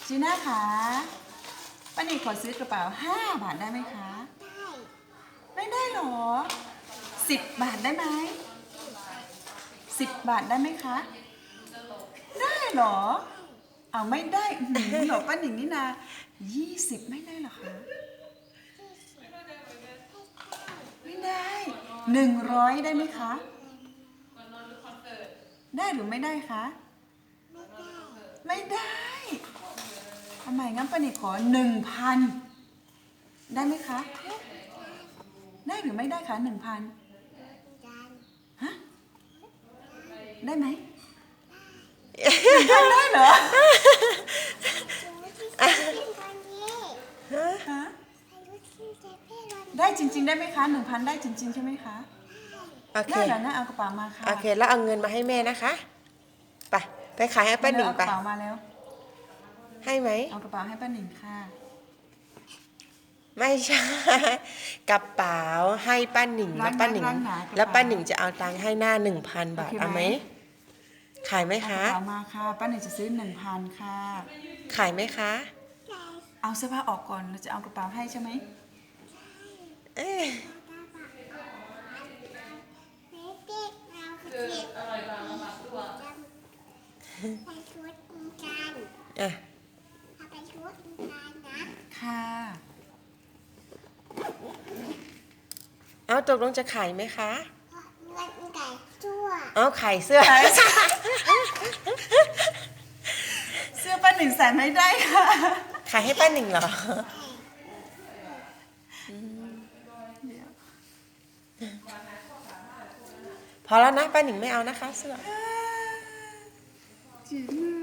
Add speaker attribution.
Speaker 1: จีน่าคะป้าหนิงขอซื้อกระเป๋า5 บาทได้ไหมคะไม่ได้หรอ10 บาทได้ไหม10 บาทได้ไหมคะได้หรอเอาไม่ได้หรอป้าหนิงนี่นา20ไม่ได้หรอคะไม่ได้100ได้ไหมคะได้หรือไม่ได้คะไม่ได้ทำไมงั้นป้าหนิงขอ1,000ได้ไหมคะได้หรือไม่ได้คะ1,000ฮะได้ไหม1,000ได้เหรอฮะได้จริงๆได้ไหมคะ1,000ได้จริงๆใช่ไหมคะ
Speaker 2: โอเค
Speaker 1: ได้แล้วนะเอากระเป๋ามาค่ะ
Speaker 2: โอเคแล้วเอาเงินมาให้แม่นะคะไปขายให้ป้าหนิง
Speaker 1: เอาก
Speaker 2: ไประ
Speaker 1: เป๋ามาแล้ว
Speaker 2: ให้ไหม
Speaker 1: เอากระเป๋าให้ป้าหนิงค่ะ
Speaker 2: ไม่ใช่กระเป๋าให้ป้าหนิงแล้วป้าหนิงจะเอาตังค์ให้หน้า 1,000 บาทเอาไหมขายไหม
Speaker 1: เอาก
Speaker 2: คะ
Speaker 1: ระเป๋ามาค่ะป้าหนิงจะซื้อ1,000ค่ะ
Speaker 2: ขายไหมคะ
Speaker 1: เอาเสื้อผ้าออกก่อนเราจะเอากระเป๋าให้ใช่ไหม
Speaker 2: เอ๊ะอ่ะ
Speaker 1: ค่ะ
Speaker 2: เอาตกลงจะขายไหมคะ
Speaker 1: เ
Speaker 2: เอาขายเสื้อ
Speaker 1: เสื้อป้าหนิงใส่ไม่ได้ค่ะ
Speaker 2: ขายให้ป้าหนิงเหรอพอแล้วนะป้าหนิงไม่เอานะคะเสื้อ
Speaker 1: จีน่